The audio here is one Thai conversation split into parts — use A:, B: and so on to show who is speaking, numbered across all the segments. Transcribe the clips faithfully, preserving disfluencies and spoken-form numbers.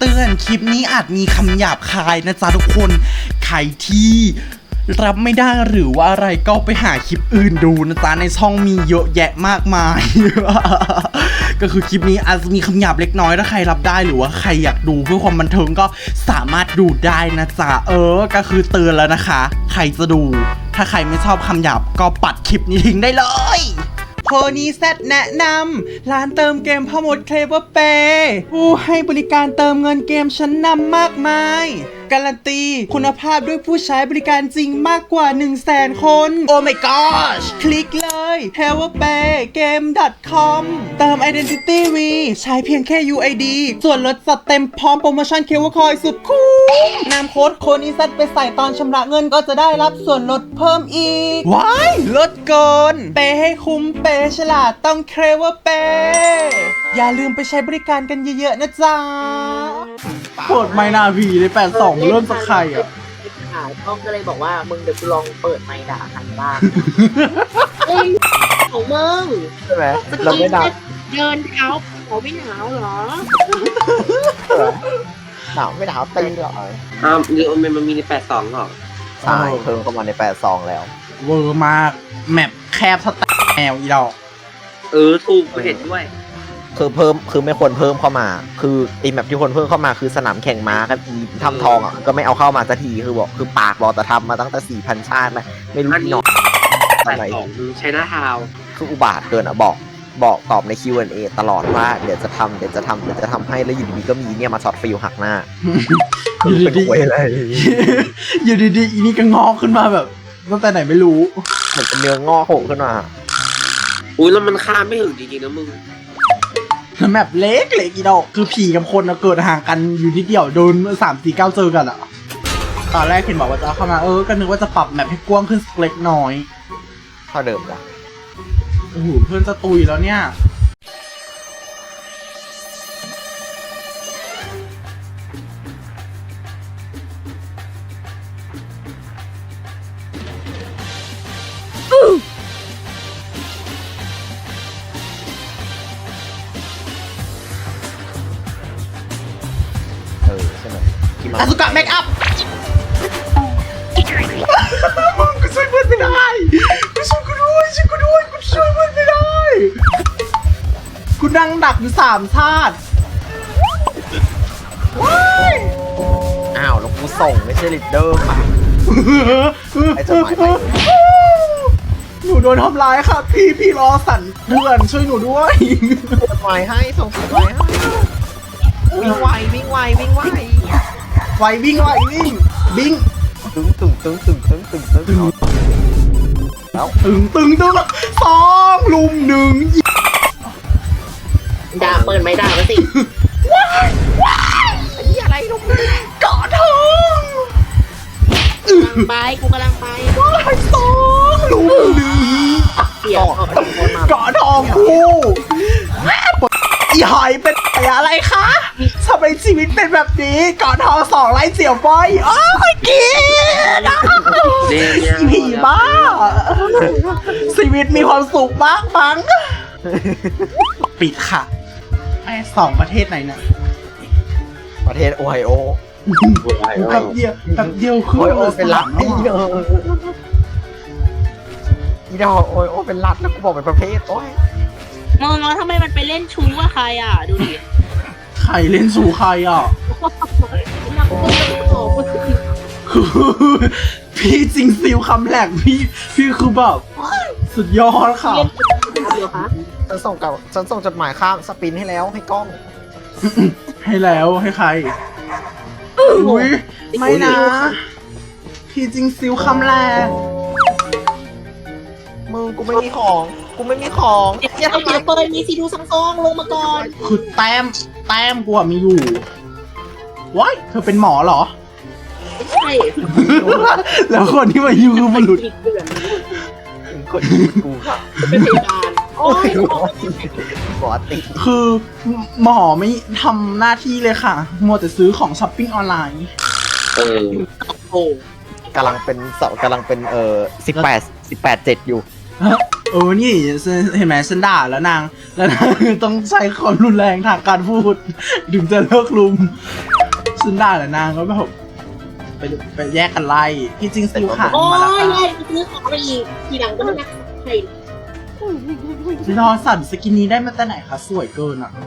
A: ตือนคลิปนี้อาจมีคำหยาบคายนะจ๊ะทุกคนใครที่รับไม่ได้หรือว่าอะไรก็ไปหาคลิปอื่นดูนะจ๊ะในช่องมีเยอะแยะมากมาย ก็คือคลิปนี้อาจจะมีคำหยาบเล็กน้อยถ้าใครรับได้หรือว่าใครอยากดูเพื่อความบันเทิงก็สามารถดูได้นะจ๊ะเออก็คือเตือนแล้วนะคะใครจะดูถ้าใครไม่ชอบคำหยาบก็ปัดคลิปนี้ทิ้งได้เลยโพนี่แซดแนะนำร้านเติมเกมพ่อมดเคลเวอร์เปย์ผู้ให้บริการเติมเงินเกมชั้นนำมากมายการันตีคุณภาพด้วยผู้ใช้บริการจริงมากกว่า หนึ่งแสน คน โอ้ my gosh คลิกเลย เคลเวอร์เปย์เกม ดอท คอม เติม Identity V ใช้เพียงแค่ ยู ไอ ดี ส่วนลดจัดเต็มพร้อมโปรโมชั่นเคลเวอร์คอยสุดคุ้มนำโค้ดโคนิซัตไปใส่ตอนชำระเงินก็จะได้รับส่วนลดเพิ่มอีกว้ายลดเกินเปย์ให้คุ้มเปย์ฉลาดต้องเคลเวอร์เปย์อย่าลืมไปใช้บริการกันเยอะๆนะจ๊ะเปิดไมนาวีในแปดสองเริ่มจากใครอ่ะ
B: ช่องก็เลยบอกว่ามึงเดี๋ยวกูลองเปิดไมค์ด่าหันบ้างเอ้ยของมึง
C: ใช่ไหมเราไม่ด่า
B: เดินเท้าเขาไม่หนาวเหรอ
C: หนาวไม่หนาวตีหรอ
D: อ้าวนี่มันมันมีในแปดสองหรอ
C: ใช่เพิ่มเข้ามาในแปดสองแล้ว
A: เวอร์มากแมปแคบสแตนแมวอีดอก
D: เออถูกกูเห็นด้วย
C: คือเพิ่มคือไม่ควรเพิ่มเข้ามาคือไอ้แมปที่ควรเพิ่มเข้ามาคือสนามแข่งม้ากับทำทองอ่ะก็ไม่เอาเข้ามาสักทีคือบอกคือปากบอกแต่ทำมาตั้งแต่สี่พันชาตินะไม่รู้หนอก
D: อะไรใช้หน้าทาว
C: คืออุบาทเกินอ่ะบอกบอกตอบใน คิว แอนด์ เอ ตลอดว่าเดี๋ยวจะทำเดี๋ยวจะทำเดี๋ยวจะทำให้แล้วอยู่ดีๆก็มีเนี่ยมาช็อตฟิลหักหน้า
A: อยู่ดีๆอะไรอยู่ดีๆอีนี่ก็งอกขึ้นมาแบบตั้งแต่ไหนไม่รู้
C: เหมือนเป็นเนื้องอกโผล่ขึ้นมา
D: อุ้ยแล้วมันข้ามไม่ถึงจริงๆนะมึง
A: แมปเล็กเล็กอีดอกคือผีกับคนเกิดห่างกันอยู่นิดเดียวโดนสามสี่เก้าเจอกันอ่ะตอนแรกเห็นบอกว่าจะเข้ามาเออก็นึกว่าจะปรับแมปให้กว้างขึ้นเล็กน้อย
C: เท่าเดิมจ้ะ
A: โอ้โหเพื่อนจะตุยแล้วเนี่ยอาสุกะเมคอัพมึงกูช่วยเพื่อนไม่ได้กูช่วยกูด้วยช่วยกูด้วยกูช่วยเพื่อนไม่ได้กูนั่งดักอยู่สามชาติ
C: อ้าวแล้วกูส่งไม่ใช่ลีดเดอร์ค่ะไอ้จดหมายไป
A: หนูโดนทำร้ายค่ะพี่พี่รอสั่นเพื่อนช่วยหนูด้วย
C: จดหมายให้ส่งจดหมายให้วิ่งไววิ่งไววิ่งไว
A: ไววิ่งไววิ่งบิง
C: ตึงตึงตึงตึงตึงตึงตึงตึงแล้ว
A: ตึงตึงตึงสองลุมหนึ่ง
B: ด่าเปิดไม่ด่ามาสิ
A: ว้ายว้าย
C: ไอ้นี่อะไรลุม
A: เกาะทอง
B: กำลังไปกูกำลังไป
A: ว้ายสองลุมหนึ่ง
B: เกี่ยว
A: เกาะทองกูอีหอยเป็นอะไรคะทำไมชีวิตเป็นแบบนี้ก่อนทองสองไล่เสี่ยวบอยโอ้ยกินผีบ้าชีวิตมีความสุขมากมั้งปิดค่ะไอ้สองประเทศไหนเนี่ย
C: ประเทศโอไฮโอ
A: แป๊บเดียวแป๊บเดียวคือ
C: โอไฮโอเป็นรัฐอีเดออีเดอโอไฮโอเป็นรัฐแล้วกูบอกเป็นประเทศโอ้ย
B: มองแล้วทำไมมันไปเล่นชู้กับใครอ่ะดูดิ
A: ใครเล่นชู้ใครอ่ะพี่จริงซิลคำแหลกพี่พี่คือแบบสุดยอดค่ะ
C: ฉันส่งกับฉันส่งจดหมายข้ามสปินให้แล้วให้กล้อง
A: ให้แล้วให้ใครอุ้ยไม่นะพี่จริงซิลคำแหลก
C: มึงกูไม่มีของกูไม่มีของ
B: อย่าทำเดี๋ยวเปิดมีซีดูซังซองลงมาก่อน
A: คือแต้มแต้มกูอะมีอยู่ว้ายเธอเป็นหมอเหรอ
B: ไม่ใช่
A: แล้วคนที่มาอยู่คือบุรุษ
C: คนกูค่ะ
B: เป็นพยาบาลโอ้ย
C: ปกติ
A: คือหมอไม่ทำหน้าที่เลยค่ะมัวแต่ซื้อของช้อปปิ้งออนไลน์
D: เออ
B: โอ้
C: กำลังเป็นเสากำลังเป็นเอ่อสิบแปดสิบแปดเจ็ดอยู่
A: เออนี่เห็นไหมฉันด่าแล้วนางแล้วนางต้องใช้ความรุนแรงทางการพูดถึงจะเลิกลุมฉันด่าแล้วนางก็แบบไปไปแยกกันไล่ที่จริงซิวขาด
B: โอ้
A: มาแล้ว
B: ย
A: ค่ะ
B: ยายไปซื้อของมาอีกทีหลังก็ไม่นักใคร
A: รอสั่นสกินนี้ได้มาแต่ไหนคะสวยเกินอ่ะ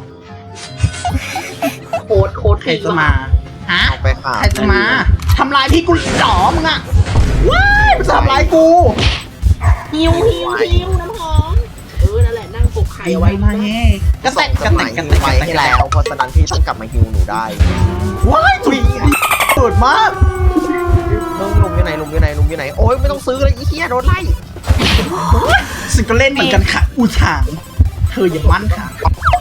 B: โค้ดโค้ด
A: ใครจะมาฮะ
C: เอาไปค่ะ
A: ใครจะมาทำลายพี่กูหรอมึงอ่ะว้ายมันจะทำลายกู
B: ฮิวฮิวฮิวน้ำหอมเออนั่นแหละนั่งกกไข่
A: ไอ้
B: เอา
A: ไว้
B: ไว้
A: มาแง่กระแตกกระแตกกระแตก
C: ไว้ให้แล้วเพราะฉะนั้นพี่ต้องกลับมาฮิวหนูได้
A: ว้ายจุดเปิดมาก
C: มึงลุมอยู่ไหนลุมอยู่ไหนลุมอยู่ไหนโอ้ยไม่ต้องซื้อเลยไอ้เหี้ยโดนไล่
A: ฉันก็เล่นเหมือนกันค่ะอูถางเธออย่ามั่นค่ะ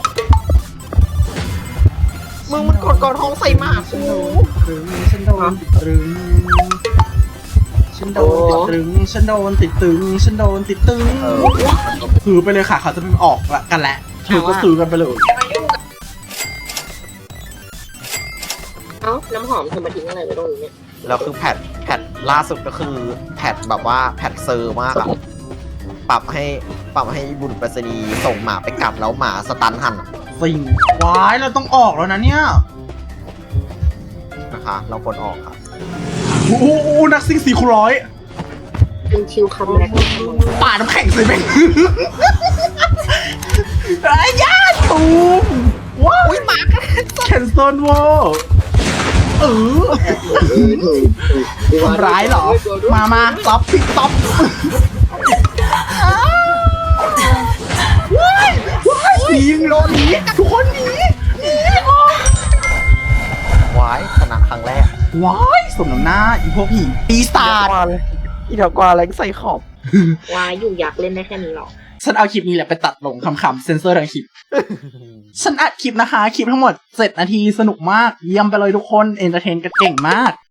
C: มึงมันกดกอดท้องใส่หมากู
A: ฉันโดนติดตรึงฉันโดนติดตรึงฉันโดนติดตรึงฉันโดนติดตรึง
C: เออมันก็
A: ซื้อไปเลยค่ะเขาจะออกละกันแหละเธอก็ซื้อกันไปเลย
B: เอ้าน้ำหอมเธอมาทิ้งอะไรไว้ตรงนี้เนี่ย
C: แล้วคือแพทแพทล่าสุดก็คือแพทแบบว่าแพทเซอร์มากอะปรับให้ปรับให้บุรุษไปรษณีย์ส่งหมาไปกัดแล้วหมาสตันหันอะ
A: สิ่งว้ายเราต้องออกแล้วนะเนี่ย
C: นะคะ เราควรออกครับ
A: โอ้โหนักซิ่งสี่คูณร้อย
B: เป็นชิวคัมแบ็ก
A: ป่าน้ำแข็งใส่แม่งไอ้ยาตูมว้าวหมาแคนเซิลวอลเออทำร้ายเหรอ มามาต๊อปพิกต๊อปว้ายว้ายหนีโดนหนีทุกคนหนีหนีออก
C: วายชนะครั้งแรก
A: ว้ายสมน้ำหน้าอีพวกผีปีศาจ
C: กว่าเลยอีเถากว่าอะไรใส่ขอบ
B: วายอยู่อยากเล่นได้แค่นี้หรอ
A: ฉันเอาคลิปนี้แหละไปตัดลงคำๆเซนเซอร์ทั้งคลิป ฉันอัดคลิปนะคะ คลิปทั้งหมดเจ็ดนาทีสนุกมาก เยี่ยมไปเลยทุกคน เอนเตอร์เทนกันเก่งมาก